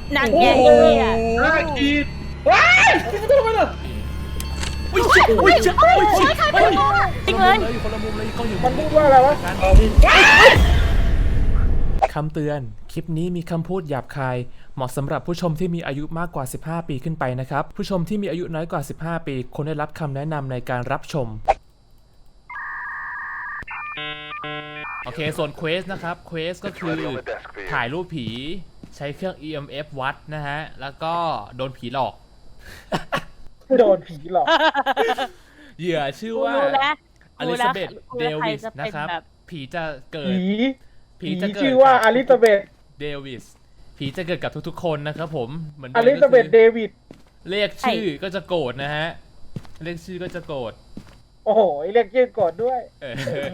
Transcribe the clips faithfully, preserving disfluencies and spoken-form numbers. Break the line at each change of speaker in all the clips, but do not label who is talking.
นั่นไงไอ้เนี่ย
ห้าขีดว้ายไม่ต้องไปเลย
อุ้ยเจ็บอุ้ยเจ็บอุ้ยเจ็บ
ใครเป็นคนจริงเลย
อยู่คนละมุมเลยกล้องอยู่
มันพูดว่าอะไรวะ
คำเตือนคลิปนี้มีคำพูดหยาบคายเหมาะสำหรับผู้ชมที่มีอายุมากกว่าสิบห้าปีขึ้นไปนะครับผู้ชมที่มีอายุน้อยกว่าสิบห้าปีควรได้รับคำแนะนำในการรับชมโอเคส่วนเควสนะครับเควสก็คือถ่ายรูปผีใช้เครื่อง อี เอ็ม เอฟ วัดนะฮะแล้วก็โดนผีหลอก
โดนผีหลอก
เหยื่อชื่อว่า
รู้แล้ว
อลิซาเบธเดวิสนะครับผีจะเกิด
ผี
ผี
ผี
จะเกิด
ชื่อว่าอลิซาเบธ
เดวิสผีจะเกิดกับทุกๆคนนะครับผมเหมือน
อลิซาเบธเดวิด
เรียกชื่อก็จะโกรธนะฮะเรียกชื่อก็จะโกรธ
โอ้โหเรียกชื่อก่อนด้วย
เออ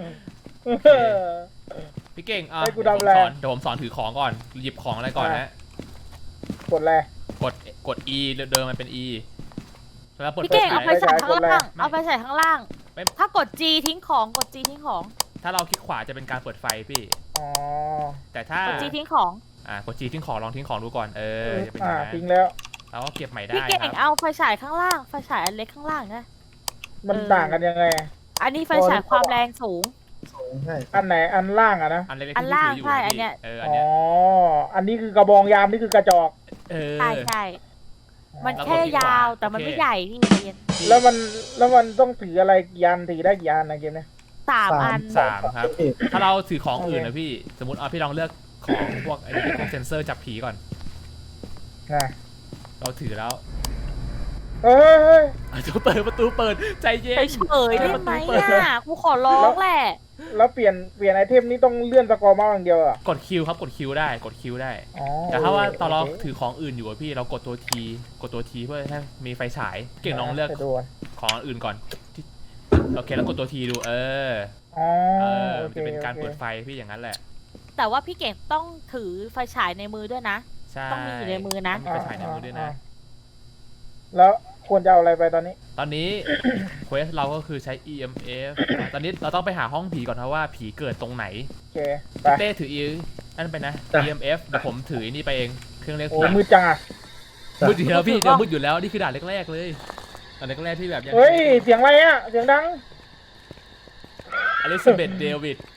พี่เก่งอ่ะ
ให้กู
เดี๋ยวผม
ทำอะไร
สอนเดี๋ยวผมสอนถือของก่อนหยิบของอะไรก่อนนะ
กดอะไร
กดกด E เดินมันเป็น E แล้วเปิด
พี่เก่งเอาไป
ไฟ
ใส่ข้างล่าง
ไม่
เอาไปใส่ข้างล่าง
ไม่
ถ้ากด G ทิ้งของกด G ทิ้งของ
ถ้าเราคลิกขวาจะเป็นการเปิดไฟพี่
อ๋อ
แต่ถ้าก
ด G ทิ้งของ
อ่ากด G ทิ้งของลองทิ้งของดูก่อนเออจะเป็นอ
อ่า
ย่างนั้น
ทิ้งแล้ว
เราก็เก็บใหม่ได้
พี่เก่ง
ครับ
เอาไฟฉายข้างล่างไฟฉายอันเล็กข้างล่างนะ
มัน
เออ
ต่างกันยังไง
อันนี้ไฟฉายความแรงสูง
อันไหนอันล่างอะนะ
อันเล็กๆ
อัน
ที่
ล่าง
ถืออยู่
ใช่
นะ
อันเนี้ย
พี่เอออัน
อ๋อ
เนี้ย
อันนี้คือกระบองยามนี่คือกระจอก
เออ
ใช่ใช่มัน
แล้วกด
แค่
ที่ขวาย
าวแต่มัน
โอเค
ไม่ใหญ่พี่ใจเย็น
แล้วมันแล้วมันต้องถืออะไรกี่อันถือได้กี่อันนะเกมเนี้ย
สามอัน
สามครับ ถ้าเราถือของอื่นนะพี่ สมมติเอาพี่ลองเลือกของพวกไอ้พวกเซนเซอร์จับผีก่อน
นะ
เราถือแล้ว
เฮ้ยเฮ้ย
อ่ะจะเปิดประตูเปิดใจเย็น
เฉยๆได้ไหม
เปิด
อ่ะกูขอร้องแหละ
แล้วเปลี่ยนเปลี่ยนไอเทมนี่ต้องเลื่อนสกอร์เมาส์อย่างเดียวเหรอ่ะ
กดคิวครับกดคิวได้กดคิวได้
อ๋อ
แต่ถ้าว่าตอนเรา
โค
ถือของอื่นอยู่อะพี่เรากดตัวทีกดตัวทีเพื่อให้มีไฟฉายเก่งลองเลือก
ไปดูะ
ของอื่นก่อนที่โอเคแล้วกดตัวทีดูเออ
อ๋อ
เออ
โอ
มัน
เค
จะเป็นการ
โอค
เปิดไฟพี่อย่างนั้นแหละ
แต่ว่าพี่เก่งต้องถือไฟฉายในมือด้วยนะ
ใช่
ต้องมีอยู่ในมือนะ
ต้องมีไฟฉายในมือด้วยนะ
แล้วควรจะเอาอะไรไปตอนนี้
ตอนนี้ เควสเราก็คือใช้ อี เอ็ม เอฟ ตอนนี้เราต้องไปหาห้องผีก่อนนะว่าผีเกิดตรงไหน
โอเคไป
เต้ถือ E นั่นไปนะ
จ้ะ
อี เอ็ม เอฟ เดี๋ยวผมถืออนนี่ไปเองเครื่องเรียก
โอ้
ผี
มือจังอ่ะ
มืดอยู่แล้วพี่เดี๋ยวมืดอยู่แล้วนี่คือด่านแรกๆเลยด่านแรกๆที่แบบยัง
เฮ้ยเสียงอะไรอ่ะเสียงดัง
อลิซาเบธเดวิด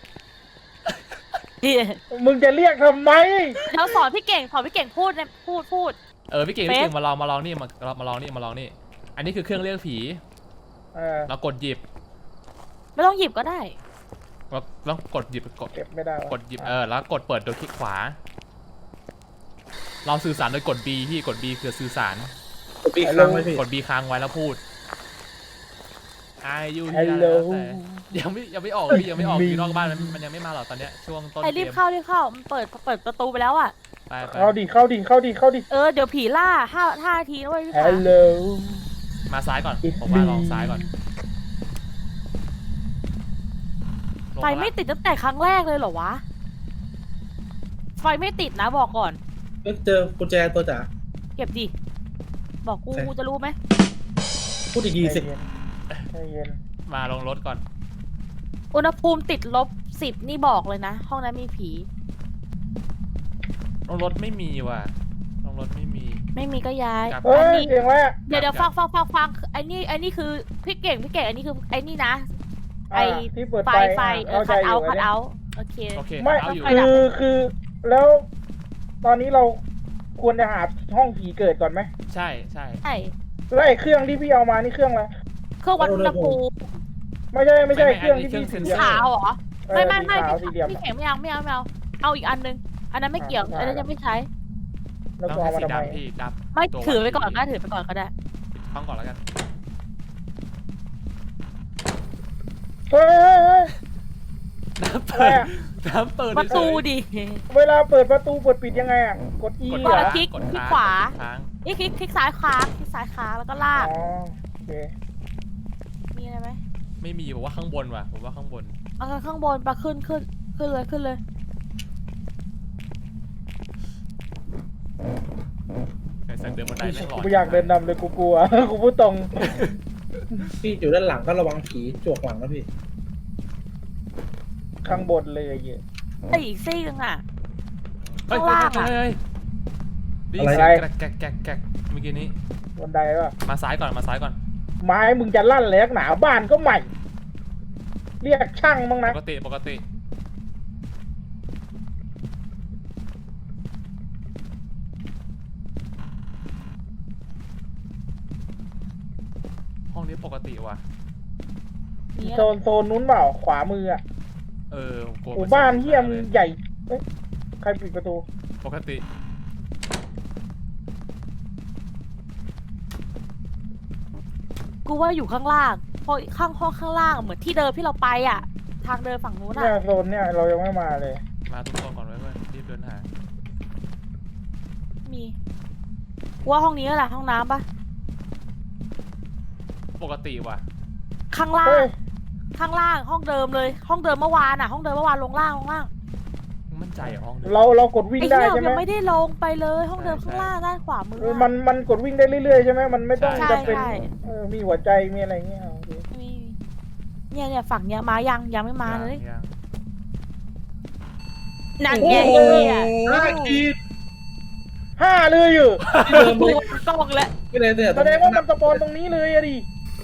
มึงจะเรียกทำไม
แล้วสอนพี่เก่งสอนพี่เก่งพูดเนี่ยพูดพูด
เออพี่เก่ง
เฟซ
พี่เก่งมาลองมาลองนี่มามาลองนี่มาลองนี่อันนี้คือเครื่องเรียกผี
เออ
เรากดหยิบ
ไม่ต้องหยิบก็ได้
เราเรากดหยิบกด
เก็บไม่ได้วะ
กดหยิบเออแล้วกดเปิดโดยคลิกขวา เราสื่อสารโดยกด B ที่กด B คือสื่อสาร
กดปีกค้างไว้พี่
กด B ค้างไว้แล้วพูดอายุ
ฮัลโหล
ยังไม่ยังไม่ออกพี่ยังไม่ออก
มี
อยู่นอกบ้านมันมันยังไม่มาหรอกตอนเนี้ยช่วงต้น
ไอ้
เก
รีบ
ม
เข้ารีบเข้ามันเปิดเปิดประตูไปแล้วอ่ะ
ไปไป
เข้าดิเข้าดิเข้าดิเข้าดิ
เออเดี๋ยวผีล่าห้าห้านาทีนะเว้ยพี่
ฮั
ขา
ลโหล
มาซ้ายก่อน
It's
ผมว่า
me
ลองซ้ายก่อนลง
ไฟ
มาละ
ไม่ติดตั้งแต่ครั้งแรกเลยเหรอวะ ไฟไม่ติดนะบอกก่อน
เจอกุญแจตัวจ๋า
เก็บดิ บอกกู
ใช่
กูจะรู้ไหม
พูดดีๆสิ
ใจเย็น
มาลงรถก่อน
อุณหภูมิติดลบสิบนี่บอกเลยนะ ห้องนั้นมีผี
ลงรถไม่มีว่ะลงรถไม่มี
ไม่มีก็ย้าย
ครับ
เฮ้
อัน
ย
นี้
เสียงอะไรอ่ะ
เดี๋ยวเดี๋ยวฟังฟังฟังฟังไอ้นี่ไอ้นี่คือพี่เก่งพี่เก่งอันนี้คือไอ้นี่นะ ไอ้
อ่าที่เปิด
ไฟ
ไฟ
ไฟเออ
เข้าใจ
คัด
อ
เอา
ยู่
คัด
เนี่ย
เอาโอเค
โอเค
ไม่
เอาอยู่
คือคือแล้ว ตอนนี้เราควรจะหาห้องผีเกิดก่อนไหม
ใช่ใช่
ใช่
แล้วไอ้เครื่องที่พี่เอามานี่เครื่องอะไร
เครื่องวัดอุณหภูมิ
ไม่ใช่ไม่ใช่เครื่องที่พี่ถือ
ขาวเหรอ
เออ
ไม่ไม่ไม่
สีขาวสี
พี่
เหลี่ยม
พี่เก่งไม่เอาไม่เอาไม่เอาเอาอีกอันนึงอันนั้นไม่เกี่ยว
อ่า
อันนั้นยังไม่ใช้
แล้ว
ต้อง
ก็
ใช้
เอามา
สี
ทำไม
ดำพี่ดำ
ไม่
ตัว
ถือไปก่อนก็ได้ถือไปก่อนก็ได้
ห้องก่อนแล้วกัน
เฮ้ยเฮ้ยเฮ้ย
น้ำ
อะไร
เปิด
อะ
น้ำเปิด
ประตู
เฉย
ดิ
เวลาเปิดประตูเปิดปิดยังไงอ่ะกด E
ๆกด
เหรอ
คลิก
กด
คลิก
ค้าง
ขวา
กดค้าง
นี่คลิกคลิกซ้ายค้างคลิกซ้ายค้างแล้วก็ลาก
อ๋อโอเค
มีอะไรไหม
ไม่มีบอกว่าข้างบนว่ะผมว่าข้างบน
เอาข้างบนปะขึ้นขึ้นขึ้นเลยขึ้นเลย
ไอ้สักเดินบันไดไม่งหล
กู
อน
ไม่อยากเดินนำเลยกูกลัว กูพูดตรง
พี่อยู่ด้านหลังก็ระวังผีจวกหลังนะพี่
ข้างบนเลยไอ้เหี้ย
ไอ้อีกซี่นึงอ่ะ
เฮ้ย
ข้าง
เฮ้ย
ล่าง
เฮ้ย
อะ
เฮ้ยได้ยินเสียงแกรกแกรกแกรกแกรกเมื่อกี้นี้
บันไดป่ะ
มาซ้ายก่อนมาซ้ายก่อน
ไม้มึงจะลั่นเลยนักหนาบ้านก็ใหม่ เรียกช่างบ้าง
ป
นะ
กติปกติห้องนี้ปกติว่ะ
นี่
โซนโซนนู้นเปล่าขวามืออ่ะ
เออโก
หมู่บ้านเฮียมงใหญ่เอ้ยใครปิดประตู
ปกติ
กูว่าอยู่ข้างล่างเพราะข้างห้องข้างล่างเหมือนที่เดิมที่เราไปอ่ะ ทางเดินฝั่งนู้น
เนี่ย
อ่ะ
โซนเนี่ยเรายังไม่มาเลย
มาทุกคนก่อนไว้เพื่อนรีบเดินหา
มีกูว่าห้องนี้แหละห้องน้ำปะ
ปกติว่ะ
ข้างล่า
เฮ้
ง
ย
ข้างล่างห้องเดิมเลย ห้องเดิมเมื่อวานอ่ะ ห้องเดิมเมื่อวานลงล่างลงล่าง
มั่นใจเหรอห้องนี้
เราเรากดวิ่ง
ไอ้
ได้
เหี้ย
ใช่ไหม
ยังไม่ได้ลงไปเลยห้องเดิมข้างล่างด้านขวามือ
เออ
อะ
มันมันกดวิ่งได้เรื่อยๆใช่ไหมมันไม่ต้อง
ใช่
จะเป็น
ใช่
เออมีหัวใจมีอะไรเงี้ยโอเค
มีเนี่ยเนี่ยฝั่งเนี้ยมายังยังไม่มาเลย
ยัง
นั่น
โอ้
ไง
โห
เนี่ย
น่ากิน
ห้าเลยอยู่
ที่เดิม
กู
เลย
กล้องแล้ว
ไม่เลยเนี่ย
แสดงว่ามันสปอนตรงนี้เลยอะดิ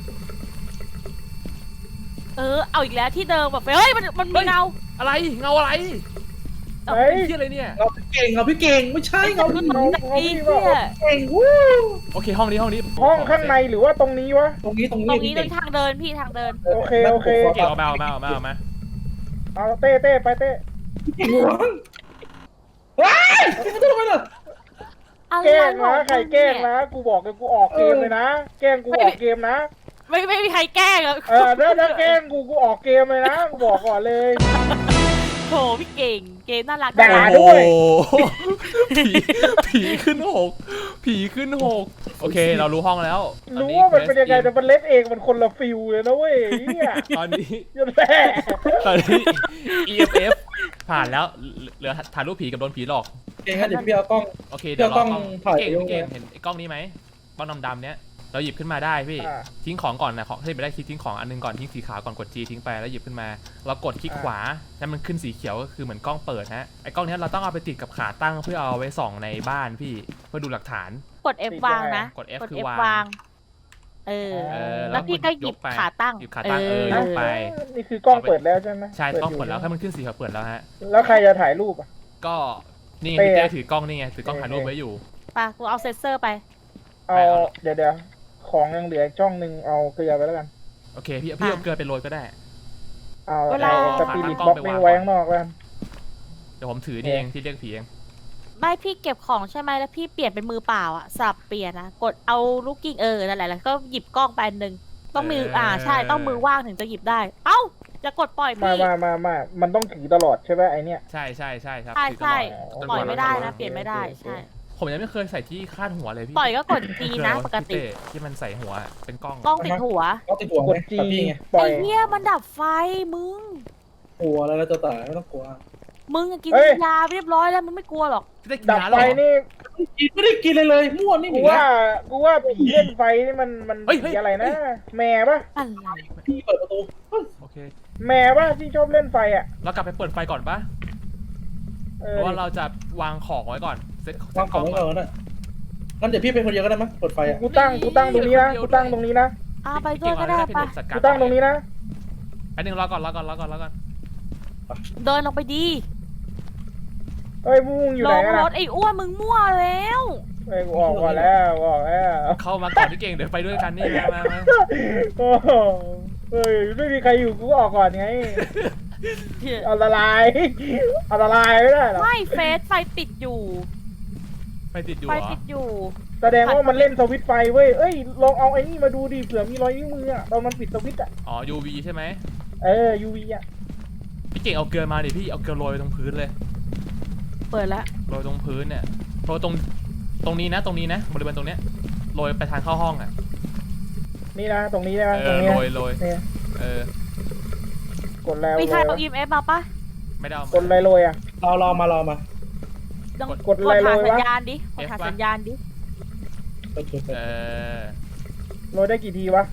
เออเอาอีกแล้วที่เดิมแบบเฮ้ยมันมันมีเงา
อะไรเงาอะไร
เฮ้ย
ที่อะไรเนี่ย
เราพี่เก่งเราพี่เก่งไม่ใช่เราพี่
เงา
ไอ้
เงาพี่
เหี้
ว่าย
เก่งวู้
โอเคห้องนี้ห้องนี้
ห้องข้างในหรือว่าตรงนี้วะ
ตรงนี้ตรง
ตร
นี้
งนี้ตรงทางเดินพี่ทางเดิน
โอเคโอเค
เก่งเอามาเอามาเอามาเอามา
เอาเต้เต้ไปเต้
เก่งหวงว้ายไม่ต้องไปหรอก
อะไร
แกล้ง
ขอ
นะ
ง
ใคร
มึง
แกล้ง
เนี่ย
นะกูบอกเลยกูออกเกมเลยนะแกล้งกูออกเกมนะ
ไม่ไม่มีใครแกล้งอะ
เออถ้าถ้าแกล้งกูกูออกเกมเลยนะกูบอกก่อนเลย
โถพี่เก่งเกมน่ารัก
ด่า
มาก
ด้วย
โอ้โหผีผีขึ้นหกผีขึ้นหกโอเคเรารู้ห้องแล้วตอ
รู้ว่ามันเป็นยังไง
Quest
แต่มันเล่นเองมันคนละฟิลเลยนะเว้ยเนี่ย
ตอนนี้
ยันแม่
ตอนนี้ อี เอฟ เอฟ ผ่านแล้วเหลือถ่ายรูปผีกับโดนผีหลอก
เก่งงั้นเดี๋ยวพี่เอากล้อง
โอเคเดี๋ยวรอกล้อง
เดี๋ยวกล้องถ่าย
เก่ง
ไปด้วย
เก่งเห็นไอ้กล้องนี้ไหมกล้องดำๆเนี้ยเราหยิบขึ้นมาได้พี่
อ่า
ทิ้งของก่อนนะของให้ไปได้ทิ้งของอันนึงก่อนทิ้งสีขาวก่อนกด G ทิ้งไปแล้วหยิบขึ้นมาเรากดคลิกขวาแล้วมันขึ้นสีเขียวก็คือเหมือนกล้องเปิดฮะไอ้กล้องเนี้ยเราต้องเอาไปติดกับขาตั้งเพื่อเอาไว้ส่องในบ้านพี่เพื่อดูหลักฐาน
กด F วางนะ
กด F
กด
คือ
F
วาง
วางเออ
เออ
แล้วพี่ก็หยิบ
ไป
ขาตั้ง
หยิบขาตั้งเออยกไป
นี่คือกล้องเปิดแล้วใช่ไหม
ใช่กล้อง
ยู่
เปิดแล้วถ้ามันขึ้นสีเขียวเปิดแล้วฮะ
แล้วใครจะถ่ายรูปอ่ะ
ก็นี่ไง
เต้
พี่
อะ
เต้ถือกล้องนี่ไงถือกล้องถ่ายรูปไว้อยู่
ปะกูเอาเซนเซอร์ไป
เอา
ไปเอา
เดี๋ยวเดี๋ยวของยังเหลืออีกช่องหนึ่งเอาเกลือไปแล้วกัน
โอเคพี่พี่เอาเกลือไปโรยก็ได้
เอา
เวลา
เอาสปิริตบ็อกนี่ไว้ข้างนอกแล้วกัน
เดี๋ยวผมถือนี่เองที่เรียกผีเอง
ไม่พี่เก็บของใช่ไหมแล้วพี่เปลี่ยนเป็นมือเปล่าอ่ะสับเปลี่ยนนะกดเอาลูกกิ้งเออนั่นแหละแล้วก็หยิบกล้องไปอันหนึ่งต้องมืออ่าใช่ต้องมือว่างถึงจะหยิบได้ เอ้าจะกดปล่อย
มา
พี่
มามามามันต้องถือตลอดใช่ไหมไอเนี้ย
ใช่ใช่ใช่ครับ
ใช่
ถือตล
ใช่
อด
ปล่อยไม่ได้นะ
โอเค
เปลี่ยนไม่ได้
โอเค
ใช่
ผมยังไม่เคยใส่ที่คาดหัวเลยพี่
ปล่อยก็กด G นะปกติ
พี่เต้ที่มันใส่หัวเป็นกล้อง
กล้องติดหัว
ก็ติดหัว
ก
ไง
ดจี
แบบพี่ไง
ปล่อ
ไอ้
ย
เหี้ยมันดับไฟมึง
หัวแล้วเราจะตายไม่ต้องกลัว
มึงอะกิน
เฮ้ย
ยาเรียบร้อยแล้วมึงไม่กลัวหรอก
พี่เต้กิน
ดับ
ยา
ไฟ
แล้วเหรอ
นี่
กินไม่ได้กินเลยเลยมั่วนี่ห
กู
นี
ว่า
นะ
กูว่าผีเล่นไฟนี่มันมัน
เฮ้ยเฮ้
ผี
ย
อะไรนะ แม่ปะ
อะไร
พี่เปิดประตูเฮ้ย
โอเค
แม่ปะที่ชอบเล่นไฟอ่ะ
เรากลับไปเปิดไฟก่อนปะ
เอ
เพ
อ
ราะว่าเราจะวางของไว้ก่อนเซ็ตเซ็
วา
ต
ง
ก
ข
ล้
อ
อง ง
ไว้
ก่
ก่
อ
อน นนะงั้นเดี๋ยวพี่เป็นคนเดียวก็ได้มั้ยเปิดไฟอ่ะ
กูตั้งกูตั้งตรงนี้นะกูตั้งตรงนี้นะ
อ่าไปด้ว
เก่
ย
ง
ก็
เอา
ได้
ได้
ปะ
พี่จัดกา
กู
ร
ตั้งตรงนี้นะ
แป๊บนึงรอก่อนรอก่อนรอก่อนรอก่อน
เดินลงไปดี
เฮ้ยมึงอยู่
ล
ไหน
ง
กัน
ร
นะ
ถไอ้อ้วนมึงมั่วแล้ว
เฮ้ยกูออกก่อนแล้วกูออกแล้ว
เข้ามาก่อนพี่เก่งเดี๋ยวไปด้วยกันนี่มามามา
โอ้โหเฮ้ยไม่มีใครอยู่กูก็ออกก่อนไงอันตรายอันตรายไม่ได้หรอ
ไม่เฟสไฟติดอยู่
ไปติดอยู่
ไฟ
เหรอ
ติดอยู่
แสดงว่ามันเล่นสวิตช์ไฟเว้ยเอ้ยลองเอาไอ้นี่มาดูดิเผื่อมีรอยนิ้วมืออะตอนมันปิดสวิตช์อะ
อ๋อ ยู วี ใช่ไหม
เออ ยู วี อะ
พี่เก่งเอาเกลือมาดิพี่เอาเกลือโรยตรงพื้นเลย
เปิดแล้ว
โรยตรงพื้นเนี่ยโรยตรงตรงนี้นะตรงนี้นะบริเวณตรงเนี้ยโรยไปทางเข้าห้องอ่ะ
นี่นะตรงนี้นะ
เอ
ตรง
อ
นี้
โร
นะ
ยโรย
เนี่ย
เออก
ดแล้ว
มีใคร
โร
เอา
ย
อี เอ็ม เอฟ มาปะ
ไม่ได้เอา
กดอะไรโรยอะ
รอรอมารอมา
ต้อง
กดอะไร
หา
โรยวะ
สัญญาณดิกดหาสัญญาณดิ
เปิดเปิดเปิด
เออ
โรยได้กี่ทีวะ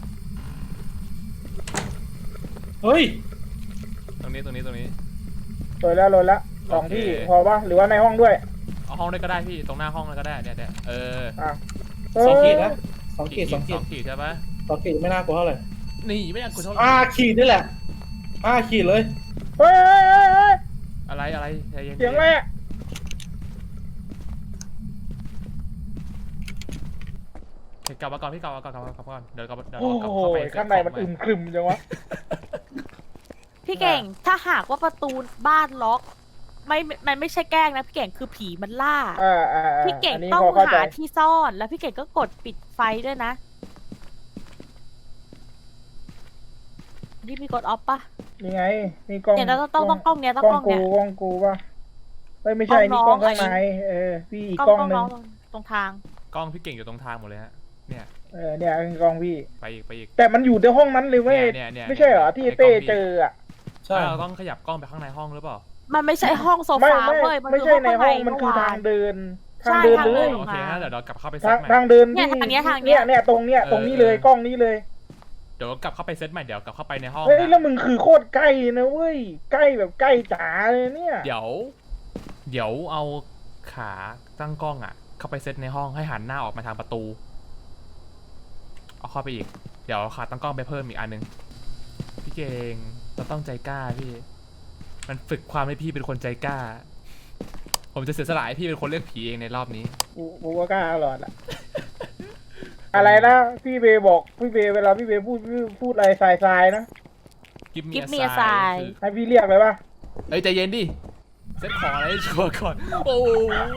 เฮ้ย
ตรงนี้ตรงนี้ตรงนี้
โรยแล้วโรยแล้วสอง
โอเค
ที่พอปะหรือว่าในห้องด้วย
เอาห้องได้ก็ได้พี่ตรงหน้าห้องเลยก็ได้เนี่ยเนี่ยเออ
อ่ะ
สองขีดนะสองขีดสองขี
ส
ด
องขีดใช่ปะ
สองขีดไม่น่ากลัวเท่าไหร่
นี่ไม่อยากกดเท่าไหร่
ห้าขีดนี่แหละห้าขีดเลย
เฮ้ยเฮ้ยเฮ้ยเฮ้ย
อะไรอะไรใจเย็น
เสียงอะไรอะ
เดี๋ยวกลับมาก่อนพี่กลับมาก่อนกลับมาก่อนกลับมาก่อนเดี๋ยวกลับเดี๋ยว
โอ้
เรากลับ
โห
เข้าไป
ข้างในมันอึมครึมจังวะ
พี่เก่งถ้าหากว่าประตูบ้านล็อก ไม่มันไม่ใช่แกล้งนะพี่เก่งคือผีมันล่า
อ่าอ่าอ่า
พี่เก่ง
นนี้
ต้อง
พเข้ใจ
หาที่ซ่อนแล้วพี่เก่งก็กดปิดไฟด้วยนะนี่มีกดออฟปะ
นี่ไงนี่กล้อง
เนี่ยเราต้องต้องต้องกล้องเนี้ยต้อง
ก
ก
ล้
ล้
อ
อง ง
กู
เนี้ย
กล้องกูป่ะเฮ้ยไม่ใช่
กล้
นี่
อง
กล้อง
น้อง
ข้างใน
อันนี้
เออพี่อีก
ก
ก
ล้
ล้
อ
อง งหนึ่
น้
ง
องตรงทาง
กล้องพี่เก่งอยู่ตรงทางหมดเลยฮะเนี่ย
เออเนี่ยคือกล้องพี่
ไปอีกไปอีก
แต่มันอยู่ในห้องนั้นเลยเว้ย
เนี่ยเนี่ยเนี่ย
ไม่ใช่เหรอที่
ไอ้
เต้
กล้องพี่
เจออ่ะ
ใช่
เราต้องขยับกล้องไปข้างในห้องหรือเปล่า
มันไม่ใช่ห้องโซ
ไม่
ฟา
ไม่
เว้ยมัน
ไม่
คือ
ใช่
ห้อง
ใน
ข้าง
ห้
ใน
องมันคือ
เมื่อวา
ทาง
น
เดิน
ใช่
ทางเดิน
ทาง
เล
เดิ
ย
น
โอเคงั้นเดี๋ยวเรากลับเข้าไปเซ
ทา
ต
ง
ใหม่
ทางเดิน
เนี่ย
ที่
ทางเนี้ยทางเนี้
เนี่ย ยเนี่ยตรงเนี้ย
เออ
ตรงนี้เลย
เออ
กล้องนี้เลย
เดี๋ยวกลับเข้าไปเซตใหม่เดี๋ยวกลับเข้าไปในห้อง
เฮ้ย
นะ
แล้วมึงคือโคตรใกล้นะเว้ยใกล้แบบใกล้จ๋าเลยเนี่ย
เดี๋ยว เดี๋ยวเอาขาตั้งกล้องอ่ะ เข้าไปเซตในห้องให้หันหน้าออกมาทางประตูเอาเข้าไปอีกเดี๋ยวขาตั้งกล้องไปเพิ่มอีกอันนึงพี่เก่งเราต้องใจกล้าพี่ มันฝึกความให้พี่เป็นคนใจกล้า ผมจะเสียสละให้พี่เป็นคนเลือกผีเองในรอบนี้
กูกูก็กล้าหลอดอะ อะไรนะพี่เบย์บอกพี่เบย์เวลาพี่เบย์พูดพูดพูดอะไรทรายทรายนะ
กิฟ
Give
มี
me a
อ
sign
สาย
ให้พี่เรียกเลยป่ะ
เอ้ยใจเย็นดิเซตของอะไรให้ชัวร์ก่อนโอ้โห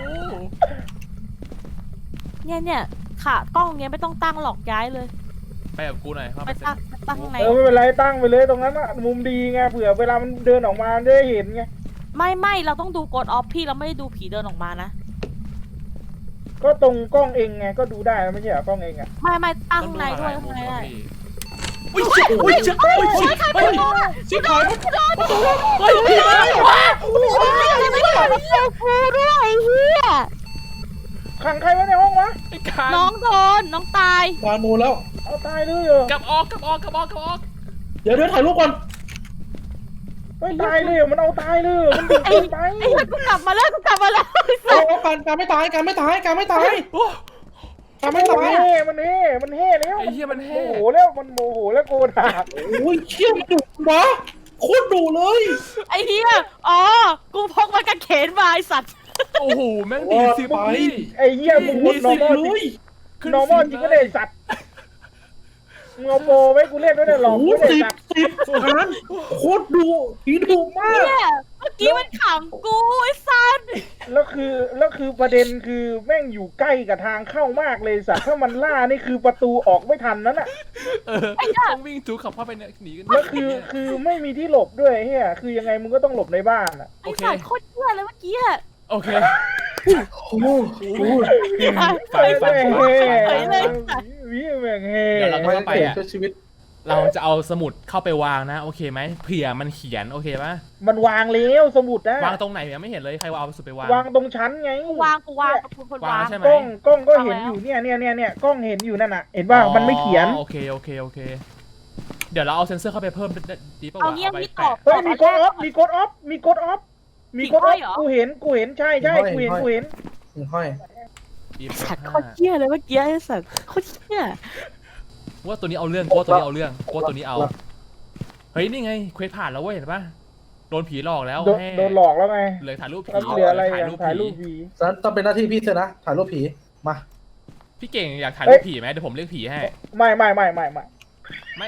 เนี่ยเนี่ยขากล้องเนี้ยไม่ต้องตั้งหลอกย้ายเลย
ไปกับกูหน่อยเข้า
ไป
ไปเซต
ตั้งไปตั้งข้างใน
เออไม่เป็นไรตั้งไปเลยตรงนั้นอะมุมดีไงเผื่อเวลามันเดินออกมามันจะได้เห็นไง
ไม่ไม่เราต้องดูกดออฟพี่เราไม่ได้ดูผีเดินออกมานะ
ก็ตรงกล้องเองไงก็ดูได้ไม่ใช่เหรอกล้องเองอะ
ไม่ไม่ตั้ง
ต้อง
ข้าง
ดู
ใน
ห
ด้วย
ลาย
ข้าง
มุม
ใน
อะ
ได้
พี่อุ้ยอุ้ยอุ้ยอุ้ยเฮ้ยชิบหายเฮ้ยผีมาแล้ววะ
ไม่ได้ไม่ได้กูด้วยไอ้เหี้ย
ขังใครไว้ในห้องวะ
ไอ้การ
น้องโดนน้องตาย
วางนูนแล้ว
เอาตายเลยเหรอก
ลับออกกลับออกกลับออกกลับออก
เดี๋ยวเดี๋ยวถ่ายรูปก่อน
เฮ้ยตายเลยเหรอมันเอาตายเลยเหรอมันดึงเกินไป
ไอ้เหี้ยกูกลับมาแล้วกูกลับมาแล้ว
เอาเอาการการไม่ตายการไม่ตายการไม่ตาย
โอ้
การไม่
มัน
ตาย
เฮ่มันเฮ่มันเฮ่แล้ว
ไอ้เหี้ยมันแห้
โมโหแล้วมันโมโหแล้วโกรธอ่ะ
โอ้ยเชี่ยมันดุวะโคตรดุเลย
ไอ้เหี้ยอ๋อกูพกมากางเขนมาไอ้สัตว์
โอ้โหแม่งดีสิพี่
ไอ้เหี้ยมึงพูด
สิ
normal
เล
จริ
ย
ง normal จริงก็ได้สัตว์มึงเอาโปรไว้กูเล่นด้วยเนี่ยหลอก
โอ้
กู
โห
ได้
สิบ
สัตว์
สิบการโคตรดุผีดุมาก
เนี่ยเมื่อกี้มันขำกูไอ้สัตว์
แล้วคือแล้วคือประเด็นคือแม่งอยู่ใกล้กับทางเข้ามากเลยสัตว์ถ้ามันล่านี่คือประตูออกไม่ทันนั่นน่ะ
เออต้องวิ่งจูขับเข้าไปเนี่ยหนีกัน
แล้วคือคือไม่มีที่หลบด้วยเฮียคือยังไงมึงก็ต้องหลบในบ้านอ่ะ
ไอ้สัตว์โคตรเหี้ยเลยเมื่อกี้อะ
โอเค
โอ้โห
ไฟไฟ
แม่ง
ไฟ
เฮ่
เฮ้ยเลยสัตว์
วิแม่งเฮ่
เดี๋ยวเรา
ไม่ไปอ่ะชีวิต
เราจะเอาสมุดเข้าไปวางนะโอเคไหมเผื่อมันเขียนโอเคปะ
มันวางแล้วสมุดนะ
วางตรงไหนเนี่ยไม่เห็นเลยใครว่าเอาสมุดไปวาง
วางตรงชั้นไง
กูวางกูวางกูคน
วาง
วาง
ใช่ไหม
กล้องกล้องก็เห็น
วางแล้ว
อยู่เนี่ยเนี่ยเนี่ยเนี่ยกล้องเห็นอยู่นั่นน่ะ เห็นป่ะมันไม่เขียน
อ๋อโอเคโอเคโอเค เดี๋ยวเราเอาเซนเซอร์เข้าไปเพิ่มดีป่าว
เอา
วะ
เงี้ย
ไป
พี่ตอบ
แปะ
เฮ้ยมีกดออฟมีกดออฟมีกดออฟมีกดออฟ
มีห้อยเหรอ
กูเห็นกูเห็นใช่ใช่
มีห้อย
กูเห็น
มีห้อย
กูเห็น
ห้อย
อีฟ
สัตว์โค
ห้า
ตรเหี้ยเลยเมื่อกี้ไอ้สัตว์โคตรเหี้ย
ว่าตัวนี้เอาเรื่องกูว่าตัวนี้เอาเรื่องกูว่าตัวนี้เอาเฮ้ยนี่ไงเควสผ่านแล้วเว้ยเห็นปะโดนผีหลอกแล้ว
โดน
แม่
โดนหลอกแล้วไง
เหลือถ่ายรูปผี
แล้วเหลืออะไร
ถ่าย
อ่ะ
รูป
ถ่ายรูป
ผี
ผี
ฉะนั้นต้องเป็นหน้าที่พี่เธอนะถ่ายรูปผีมา
พี่เก่งอยากถ่าย
เฮ้
รู
ย
ปผีไหมเดี๋ยวผมเรียกผีให้
ไม่ไม่ไม่ไม่ไม่
ไม่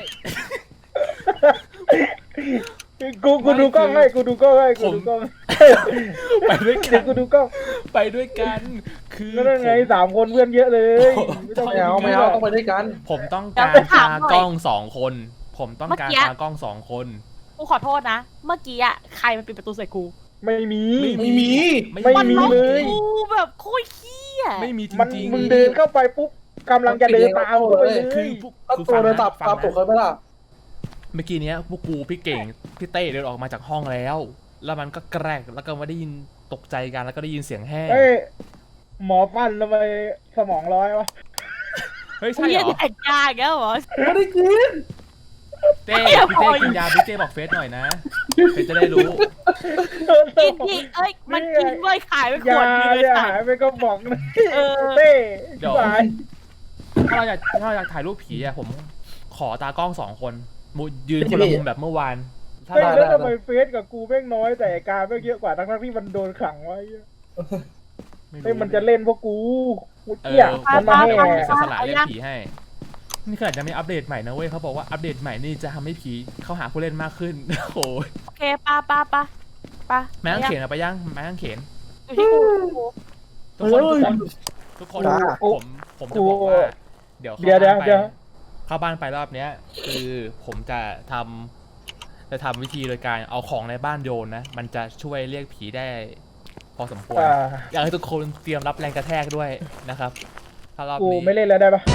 กูกูดูกล้องให้กูดูกล้องให้กูดูกล้อง
ไปด้วยกั
เดี๋ย
น
วกูดูกล้อง
ไปด้วยกันคือ
นั่นไง
ผม
สามคนเพื่อนเยอะเลย ไม่ต้อง
ไม่เอาไม่เอาต้องไปด้วยกัน
ผมต้องการตากล้องสองคน ผมต้องการตากล้องสองคน
กูขอโทษนะ เมื่อกี้อะใครมันปิดประตูใส่กู
ไม่มี
ไม่มี
ไม่มี
ล็อก
เลย
กูแบบโคตรเหี้ย
ไม่มีจ
มัน
ริงๆ
มึงเดินเข้าไปปุ๊บกำลังจะเดินตามเข้าไปเล
คือย พวก
ถ้า
คือ
ตัว
ฟัง
เดิน
นะ
ตาม
ฟัง
ตามปลุก
นะ
เคยไหมล่ะ
เมื่อกี้เนี้ยพวกกูพี่เก่งพี่เต้เดินออกมาจากห้องแล้ว แล้วมันก็แกรกแล้วก็มาได้ยินตกใจกันแล้วก็ได้ยินเสียงแห้ง
เฮ้ยหมอฟันทำไมสมองร้อยวะ
เฮ้ยใช่
เหี้
เห
ย
รอ
แดกยาอีกแล้วเหรอ
ไม่ได้กิน
เต้พี่เต้กินยาพี่เต้บอกเฟซหน่อยนะ
พี่
เฟซจะได้รู้
กินที่เอ้ยมันกินเว้ยขายไปข
ยาว
ดนึงเลย
เนี่ย
ค่ะ
หายไปก็บอกนะ
เออ
เต้
เดี๋ยว
สาย
ถ้าเราอยากถ้าเราอยากถ่ายรูปผีอะผมขอตากล้องสองคนมุยืนคนละมุมแบบเมื่อวานถ้า
เฮ้ย
เรา
แล้วทำไมเฟซกับกูแม่งน้อยแต่ไอ้การแม่งเยอะกว่าทั้งๆที่มันโดนขังไว้
ไม่
เฮ้ย
รู้
มันจะเล่นพวกกูกู
เอ
เกี้ย
อ
มันมาแห่
ผมจะสละเล่นผีให้ นี่ขนาดจะมีอัปเดตใหม่นะเว้ยเขาบอกว่าอัปเดตใหม่นี่จะทำให้ผีเข้าหาผู้เล่นมากขึ้น โอ้ย
โอเคปะปะปะปะ
แม่งเขียนอะไปยังแม่งเขียน
อยู่ที่กูกู
ทุกคนทุกคนทุกคนผมผมจะบอกว่า เดี๋ยวเข้า
เดี๋ยวเดี๋ยว
บ้านไป
เดี๋ยว
เข้าบ้านไปรอบเนี้ย คือผมจะทำจะทำวิธีโดยการเอาของในบ้านโยนนะ มันจะช่วยเรียกผีได้ พอสมควร
อ่า
อยากให้ทุกคนเตรียมรับแรงกระแทกด้วยนะครับถ้ารอบ
กู
นี้
ไม่เล่นแล้วได้ปะ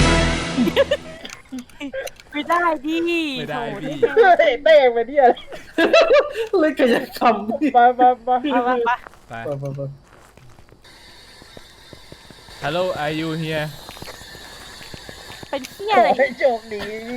ไม่ได้ดิ
ไม่ได้พี่
เฮ้ยเต้ไปเนี่ย
เลยกายกรรมพี่
ไปไปไป
เอามาปะ
ไป
ไปไปไป
Hello are you here
เป็นเที่ย
ข
อะไร
อให้โชคดี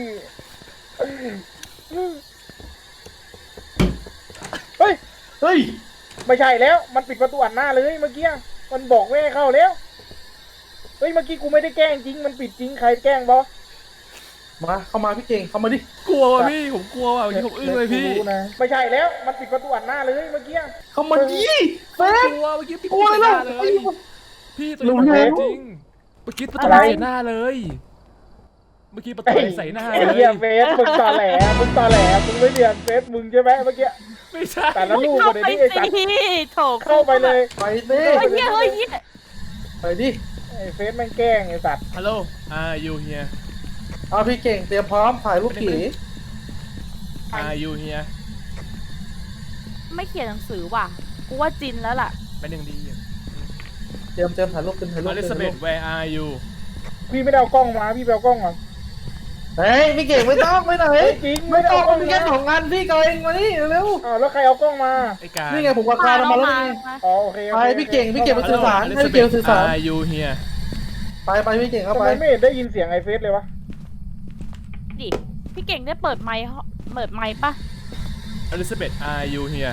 เฮ้ย
เฮ้ย
ไม่ใช่แล้ว มันปิดประตูอัดหน้าเลยเมื่อกี้ มันบอกไม่ให้เข้าแล้ว เฮ้ย เมื่อกี้กูไม่ได้แกล้งจริง มันปิดจริง ใครแกล้งบอส
มาเข้ามาพี่เก่งเข้ามาดิ
กลัวว่ะพี่ผมกลัวว่ะผมอึ้งเลยพี่
กูรู้นะไม่ใช่แล้ว มันปิดประตูอัดหน้าเลยเมื่อกี้
เข้ามาดิเฟ
ก
ส
ลัวเมื่อกี้พี่
โอ้ย
ใส่ห
แล้ว
น้าเลย พี่ตัว
รู้
นี้
แล้ว
จริงเมื่อกี้ประตู
อะไร
ใส่หน้าเลย เมื่อกี้ประตูใส่หน้า
ไอ้
เล
เหี้ย
ย
เฟสมึงตอแหลมึงตอแหลมึงไม่เรียนเฟสมึงใช่ไหมเมื่อกี้
ไม่ใช่
แต่ละลูก
เข้า
เลย
ไป
นี่ไอ้สัตว์
สิโถ
เข้าไปเลย
ไปเต้
เฮ้ยเฮียเฮ้ยเฮีย
ไปดิ
ไอ้เฟสแม่งแกล้งไอ้สัตว์
Hello are you here
เอาพี่เก่งเตรียมพร้อมถ่ายรูปผี
are you here
ไม่เขียนหนังสือว่ะกูว่าจินแล้วล่ะ
เป็นหนึ่งดี
เตรียมเตรียมถ่ายรูปเป็นถ่ายรูป
อลิซาเบธ where are you
พี่ไม่ได้เอากล้องมาพี่ไปเอากล้องมา
เฮ้ยพี่เก่งไม่ต้องไม่ต้อง
เฮ้
เฮ้
ย
ย
จริง
ไม่ต้อง
ไม่
มี
ได้
แค่
เอากล้อง
สองงานพี่ก็เองมานี่เร็ว
อ้าวแล้วใครเอากล้องมา
ไอ้การ
นี่ไงผมกับคาร์มาแล้วนี่
อ๋อโอเคโอ
ไป
เค
พี่เก่งพี่เก่งไป
ฮัล
สื่
โหล
อสาร
อลิ
ให้
ซา
พี่
เบ
เก่ง
ธ
สื่อสาร
are you here
ไปไปพี่เก่งเข้า
ทำ
ไป
ไมไม่เห็นได้ยินเสียงไอ้เฟสเลยวะ
ดิพี่เก่งได้เปิดไมค์เปิดไมค์ปะ
อลิซาเบธ are you here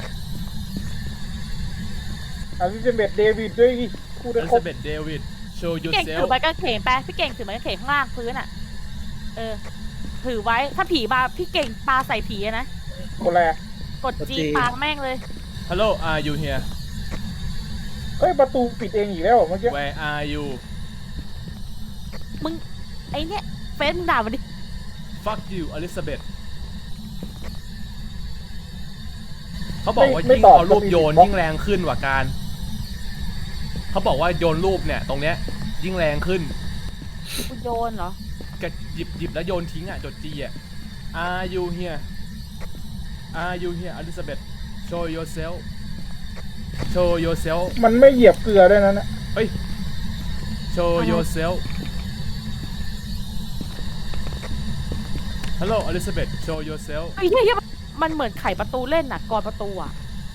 อาซิเบตเดวิดด้วยดิคู่
อ
ได้
ลิ
ครบ
ซาเบธเดวิด show
พี่เก่ง
yourself
ถือไม้กางเขนไปพี่เก่งถือไม้กางเขนข้างล่างพื้นอ่ะ เออ ถือไว้ถ้าผีมาพี่เก่งปาใส่ผีอะนะ
คนแรก
กดจีปาแม่งเลย
Hello are you here
เฮ้ยประตูปิดเองอีกแล้วเหรอเมื่อกี้
where are you
มึงไอเนี้ยเฟซมึงด่ามันดิ
fuck you อลิซาเบธเขาบอกว่ายิ่งเอารูปโยนยิ่งแรงขึ้นกว่าการเขาบอกว่าโยนรูปเนี่ยตรงเนี้ยยิ่งแรงขึ้น
กูโยนเหรอ
กหยิบหยิบแล้วโยนทิ้งอ่ะจดจีอ่ะ Are you here Are you here Elizabeth Show yourself Show yourself
มันไม่เหยียบเกลือด้วยนะเนี่ย
เฮ้ย Show yourself Hello Elizabeth Show yourself
ไอ้เหี้ยมันเหมือนไขประตูเล่นน่ะกรอนประตูอ่ะ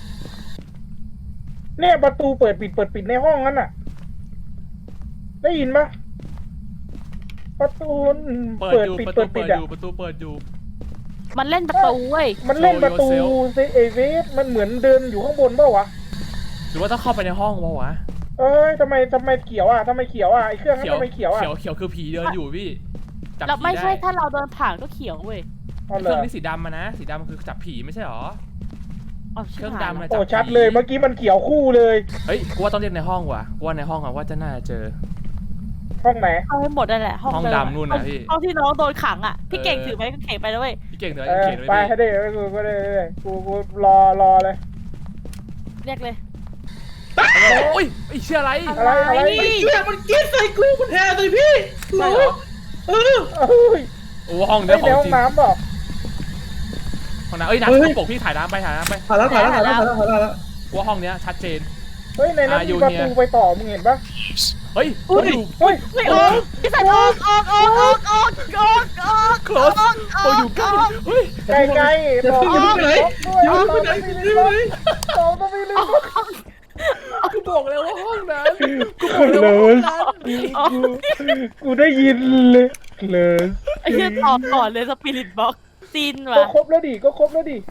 เนี่ยประตูเปิดปิดเปิดปิดในห้องนั้นน่ะ ได้ยินปะประตู
เปิด
เปิด
อยู่
ปิด
ประตู
เปิดปิ
เปิ
ด
ดอ
อ่ะ
ยู่ประตูเปิดอยู่
มันเล่นประตูเว้ย
มันเล่นประตู
Show yourself
ซิเอเวสมันเหมือนเดินอยู่ข้างบนเปล่าวะ
หรือว่าต้องเข้าไปในห้องวะวะ
เอ้ยทำไมทำไมเขียวอ่ะทำไมเขียวอ่ะไอเครื่องนั้นทำไมเขียวอ่ะ
เขียวเขียวคือผีเดินอยู่พี่จับ
เรา
ผี
ไม่ใช่
ได้
ถ้าเราเดินผ่านก็เขียวเว้ย
อ๋อเห
เค
ร
รื่อ
อง
นี้สีดำมานะสีดำคือจับผีไม่ใช่หรอ
อ๋อ
เครื่อง
ชิบหาย
ดำ
แล้ว
นะ
โอ้ชัดเลยเมื่อกี้มันเขียวคู่เลย
เฮ้ยกูว่าต้องเรียกในห้องว่ะกูว่าในห้องอะว่าจะน่าจะเจอ
ห้องไหน
เอาให้หมดนั่นแหละห้อง
ห้อง
เดิม
ดำนู่นน่ะพี่
ห้องที่น้องโดนขังอ่ะพี่เก่ง
เออ
ถือไม้กางเขนไปแล้วเว้ย
พี่เก่งเดี๋ยว
เออ
เขียนไว้
ไป
พี่
ให้ได้กูก็ได้กูกูรอรอเลย
เรียกเลย
โอ้ยไอ้เชื่ออะไร
อะไรอะไร
ไอ้เหี้ยมันกินใส่กูมันแทนใส่พี่
ใช่เหรอ
เออ
เอ้ย
โอ้ห้อง
ใน
เนี้ยของ
ห้อง
จริง
น้ำบอก
ห้องน้ำเอ้ยน้ำ
เฮ้ย
กระปกพี่ถ่ายน้ำไปถ่ายน้ำไป
ถ่ายแล้วถ่ายแล้วถ่ายแล้วถ่ายแล้วถ่ายแล้ว
กูว่าห้องเนี้ยชัดเจน
เฮ้ยในนั้น
อ่ะอยู่
มีประ
เนี่ย
ตูไปต่อมึงเห็นปะ
เฮ้ย
อุ้ย
อยู่
เฮ้ย
ไม่ออกพี่สันออกออกออกออกออกออกออก
close โอ้อยู่ใกล้เฮ้ย
ไกลไกล
อย่า
ต่อ
เพิ่งอย่าเพิ่งไปไหนอย่าเพิ่งไปไหนอย่าเพิ่งไปไหน
ต่อต้องไม่ลืม
กูบอกแล้วว่าห้องนั้น
กูเลยกูกูได้ยินเลยเลย
ไอ้เหี้ยตอบก่อนเลยสปิริตบ็อกซิน
ก็
ว่ะ
ครบแล้วดิก็ครบแล้วดิ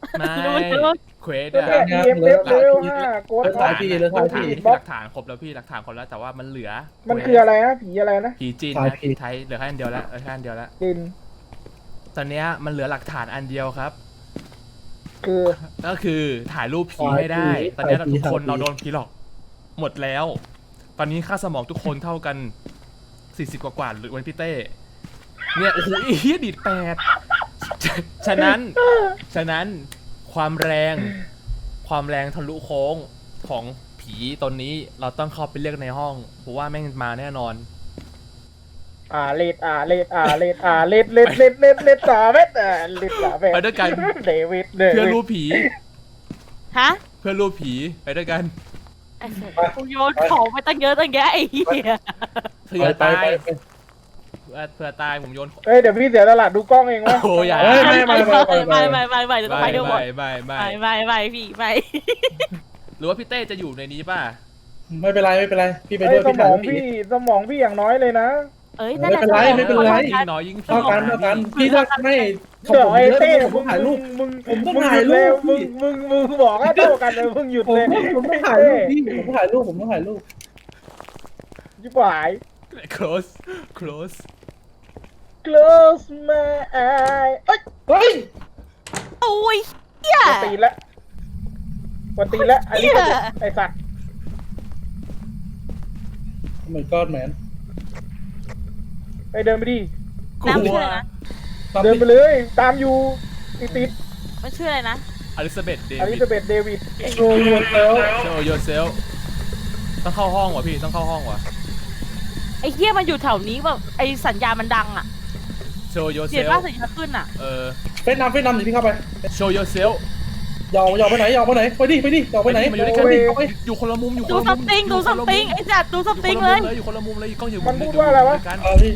ไม่
รู้รู้
เควส
ก็
อะ
เนี่ย E M F เลเวลห้าโกด
เลือก
อ
ถ่า
อย ฟ
พี่เลือกถ่ายพี่
หลักฐานครบแล้วพี่หลักฐานครบแล้วแต่ว่ามันเหลือ
มันคืออะไรนะผีอะไรนะ
ผีจีน
ถ่าย
นะ
ผิด
ผีไทยเหลือแค่อันเดียวแล้วเหลือแค่อันเดียวแล้ว
จิน
ตอนเนี้ยมันเหลือหลักฐานอันเดียวครับ
คือ
ก็คือถ่ายรูปผี
ถ่าย
ให้ได้
ผี
ตอนเนี้ย
ถ่ายผี
ทุกคน
ถ่ายผี
เราโดนผีหลอกหมดแล้ว ตอนนี้ค่าสมองทุกคนเท่ากันสี่สิบกว่ากว่าหรือวันพี่เต้เนี่ยโอ้โหอีเหี้ยดีดแปดฉะฉะนั้น ฉะนั้นความแรงความแรงทะลุโค้งของผีตนนี้เราต้องเข้าไปเรียกในห้องเพราะว่าแม่งมาแน่นอน
อ่าเลดอ่าเลดอ่าเลดอ่าเลดเลดเลดเลดเลดสามเมตรอ่าเลดสามเมตร
ไปด้วยกัน
เดวิดเด
เพื่อ
วิ
รู
ด
ปผี
ฮะ
เพื่อรูปผีไปด้วยกัน
ไอ้เหี้ยกูโยนของไปตั้งเยอะตั้งแยะไอ้เหี้ย
เผื่อ
ไป
ตาย
ไปไป
เผื่อเผื่อตายผมโยน
เฮ้ยเดี๋ยวพี่เสียตลาดดูกล้องเองวะ
โอ้ยอย่า
เฮ้ย ไม่ไม่ไม่
ไม่ไม่ไม่ไม่เดี๋ยวต้องไป
ไม่
ด้วยหมด
ไม่ไม่
ไม่
ไม่
ไม่ไม่พี่ไม่
หรือว่าพี่เต้จะอยู่ในนี้ป่ะ
ไม่เป็นไรไม่เป็นไรพี่ไป
เฮ้
ด้วย ย
ส
พี่
ม
ถ่า
อย ง
พี่
พี่สมองพี่อย่างน้อยเลยนะ
เอ้ยนั่นแหละ
ไม่เป็นไรไม่เป็นไร
ยิ่งน้อยยิ่งผี
เท่ากันเท่ากันพี่ถ้าไม่
เดี๋ยวไอ้เต้
ผมถ่ายรูป
มึง
ผมต้อง
มึง
ถ่ายรูป
มึงมึงมึงบอกว่าเท่ากันเลยมึงหยุด
ผม
เลย
ผมต้องถ่ายรูปพี่ผมต้องถ่ายรูปผมต้องถ่ายรูป
จิ๋วหาย
close close
close my eye เอ้ย
เฮ้ย
โอ้ยเหี้ย
กวนตีนละกวนตีนละอันนี้ก็ไอสัตว์
Oh my god man
ไปเดินไปดิ
กลั
น้ำชื่อ
ว
อะไรนะ
เดินไปเลย ตามอยู่ติดติด
มันชื่ออะไรนะ
อลิซาเบธเด
อลิ
วิด
ซาเบธเดวิด
โชว์ยูเซล
show yourself ต้องเข้าห้องว่ะพี่ต้องเข้าห้องว่ะ
ไอ้เหี้ยมันอยู่แถวนี้แบบไอ้สัญญาณมันดังอ่ะ
show
เห็น
yourself
ว่าสัญญาณขึ้นอ่ะ
เออ
เฟซนำเฟซนำเดี๋ยวพี่เข้าไป
show yourself
ยอมยอมไปไหนยอมไปไหนไปดิไปดิยอมไปไหน
มาอยู่ด้วยกันดิอยู่คนละมุมอยู่คน
ดู
ละมุม
ซัมติงดูซัมติงไอ้จัดดูซัมติงเลย
อยู่คนละมุมเลยอยู่กล้องอยู่
มันพูดว่าอะไรวะ
กัน
เอาพี่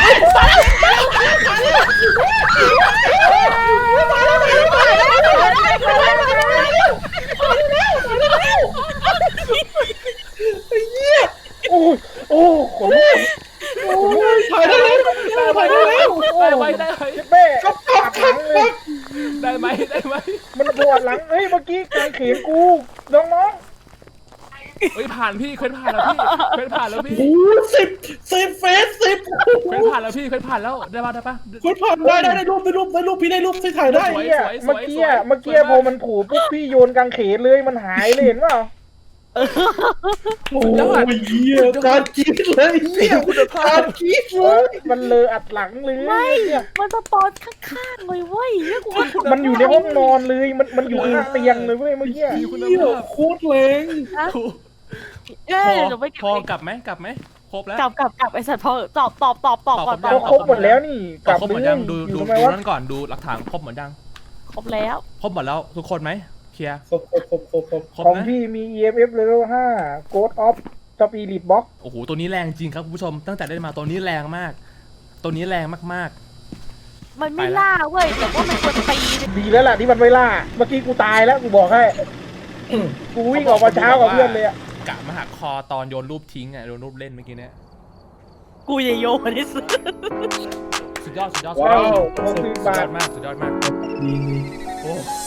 โอ้ยโอ้ขนลุก
ถ่ายได้แล้วถ่ายได้แล้ว
ได้ไหมได้ไหม
เจ็บแม่ปวดหลังเลย
ได้ไหมได้ไหม
มันปวดหลังเฮ้ยเมื่อกี้กางเขนกูน้อง
เฮ้ยผ่านพี่เคว้นผ่านแล้วพี่เคว้นผ่านแล้วพี่
โอ้สิบสิบเฟสสิบ
เคว้นผ่านแล้วพี่เคว้นผ่านแล้วได้ป่ะได้ป่ะ
คุณผ่านได้ได้ได้รูปได้รูปได้รูปพี่ได้รูปที่ถ่าย
ๆเมื่
ได้
อกี้อะเมื่อกี้อะเมื่อกี้พอมันผูปุ๊บพี่โยนกางเขนเลยมันหายเลยเห็นเปล่า
โอ้ยเหี้ยการกรีดเลยเหี้ยการกรีดเล
เออย มันเลออัดหลังเลย
ไม่
เนี่ย
มันสปอนข้างๆเลยเว้ยแล้วกูก็
มันอยู่ในห้องนอนเลยมันมันอยู่ข้างเตียงเลยเว้ยเมื่อกี้
มีคุณ
เหี้ย
ภาพ
โคตรแรง
เอ้
พ
ย
อ
เดี๋ยวไปเก็บ
พอกลับไหมกลับไหมครบแล้ว
กลับกลับกลับไอ้สัตว์พอตอบตอบตอบตอบก่อน
ต
ต
อ
อ
บบ
ครบหมดแล้วนี่กลับ
ครบหมด
เล
ยั
ย
งดู
อยู่
ดู
ทำไม
ดู
วะ
นั่นก่อนดูหลักฐานครบหมดยัง
ครบแล้ว
ครบหมดแล้วทุกคนไหมเคลียร์
ครบครบครบครบครบ
ครบ
ของ
นะ
พี่มี อี เอ็ม เอฟ level ห้า Ghost of Spirit Box
โอ้โหตัวนี้แรงจริงครับคุณผู้ชมตั้งแต่ได้มาตัวนี้แรงมาก ตัวนี้แรงมาก
มันไม่ล่าเว้ยแต่ว่ามันควรตี
ดีแล้วล่ะที่มันไม่ล่า เมื่อกี้กูตายแล้วกูบอกให้ กูวิ่งออกมาเช้ากับเพื่อนเลยอะ
ๆกะมาหักคอตอนโยนรูปทิ้งอ่ะโยนรูปเล่นเมื่อกี้เนี้ย
กูจะโยนที่สุด
สุดยอดสุดยอดสุด
ว้า
ยว อด
หกสิบ
สุด
บาย ท
อดมากสุดยอดมาก
ดี
โอ้